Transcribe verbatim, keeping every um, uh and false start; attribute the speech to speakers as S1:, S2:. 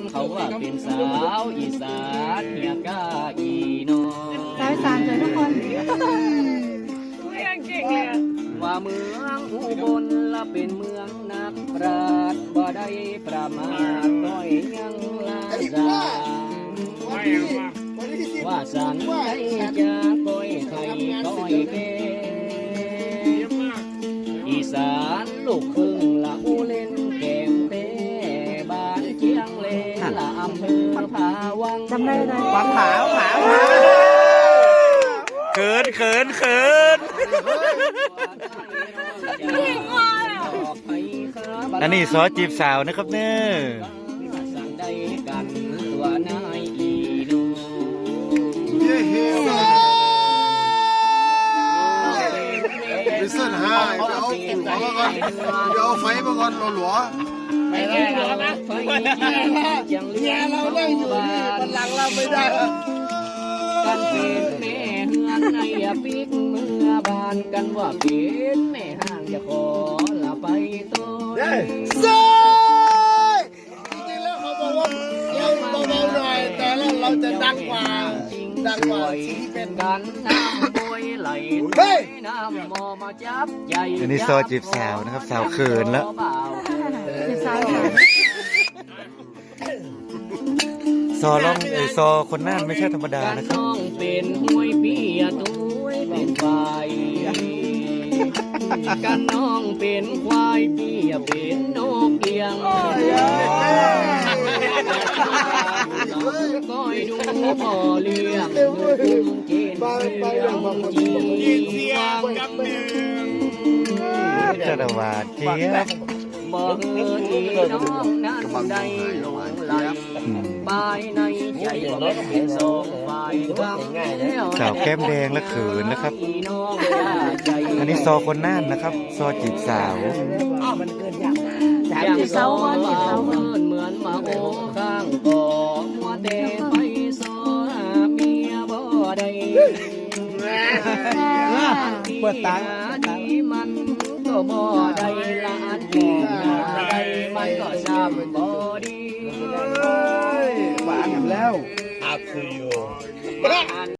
S1: เขาว่าเป็นสาวอีสานเฮียกาอีโน
S2: สาวอีสานเจอทุกคน
S1: ว่าเมืองอุบลละเป็นเมืองนักปราชญ์บ่ได้ประมาทน้อยยังลาซาว่าสันได้จะก้อยไข่ก้อยเกอีสานลูกครึ่งละอูเล่นแก้มเป้บ้านเชียงเลละอำเภอผาวัง
S2: จำได้เลย
S3: ปังขาวขาวเขินเขินเขินอันนี้ซอจีบสาวนะครับเนอะ
S1: สั่งได้กันตัวนายอีดู
S4: ไปเส้นห้าเดี๋ยวเอาขุ่นมาก่อนเดี๋ยวเอาไฟมาก่อนหลัว
S1: ไม่ได้แล้วนะไฟยังเลี้ยงเราได้อยู่มันหลังเราไม่ได้กันเป็นแม่เฮือนในปิกเมื่อบานกันว่าเป็นแม่ห้างจะขอละไปตัว
S4: เซ่จริงๆแล้วเขาบอกว่าเราเบาๆหน่อยแต่เราเราจะดังกว่าดังกว่าที่เป็น
S1: กันน้ำบวยไหลน้ำมอมาจับใหญ่
S3: อันนี้ซอจีบสาวนะครับสาวเขินแล้ว
S2: เป็นสาวอีสาน
S3: ซอร้องเออซอคนน่านไม่ใช่ธรรมดานะครับ
S1: น้องเป็นห้วยเปียตุ้ยเป็นควายกันน้องเป็นควายเปียเป็นนกเอียงก้อยดูพ่อเลี้ยงดูกุ้งกินเลี้ยงจีเสียงกับหนึ่ง
S3: จะระวาดเจี๊ยบ
S1: บอกเงินน้องนั้นได้หลงไหลปลายในใจบอกเป็นสองฝ่ายกังแล้ว
S3: สาวแก้มแดงและเขินนะครับ อันนี้ซอคนน่านนะครับ ซอจีบสาว
S1: อย่างเศร้าว่าเศร้าเหมือนเหมือนมาโอ้ข้างก่อมัวแต่ไปซอเมียบ่ได้เปิดตาดีมันก็บ่ได้ละอันดีได้มันก็ซ้ำบ่ดีหวานแล้ว
S4: อาคืออยู่